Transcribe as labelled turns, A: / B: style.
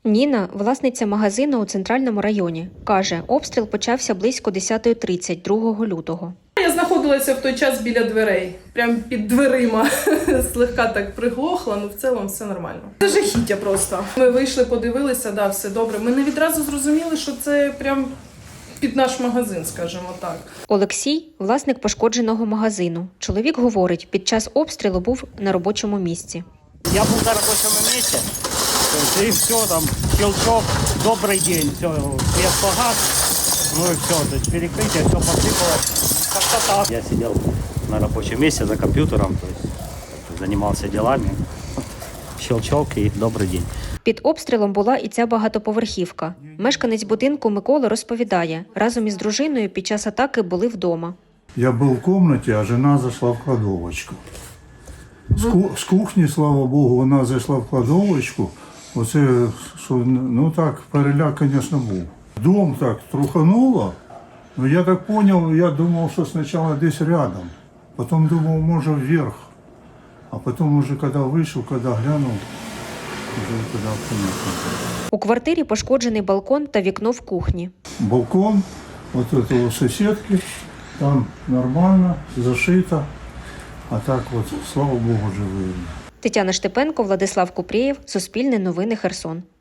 A: Ніна – власниця магазину у центральному районі. Каже, обстріл почався близько 10:30 2 лютого.
B: Я знаходилася в той час біля дверей, прямо під дверима. Слегка так приглохла, але в цілому все нормально. Це жахіття просто. Ми вийшли, подивилися, да, все добре. Ми не відразу зрозуміли, що це прям під наш магазин, скажімо так.
A: Олексій – власник пошкодженого магазину. Чоловік говорить, під час обстрілу був на робочому місці.
C: Я був на робочому місці, і все, там, щелчок, добрий день, все, свет погас, ну і все, то есть перекриття, все посипалось, как-то так. Я сидел на робочем месте за компьютером, то есть занимался делами, щелчок і добрий день.
A: Під обстрілом була і ця багатоповерхівка. Мешканець будинку Микола розповідає, разом із дружиною під час атаки були вдома.
D: Я был в комнате, а жена зашла в кладовочку. З кухні, слава Богу, вона зайшла в кладовочку. Оце, що, ну так, переляк, звісно, був. Дом так трухануло, но я так понял, я думав, що спочатку десь рядом. Потім думав, може, вверх. А потім уже, коли вийшов, коли глянув, вже туди понятно.
A: У квартирі пошкоджений балкон та вікно в кухні.
D: Балкон, вот это у соседки, там нормально, зашито. А так от, слава Богу, живі.
A: Тетяна Штепенко, Владислав Купрієв, Суспільне новини, Херсон.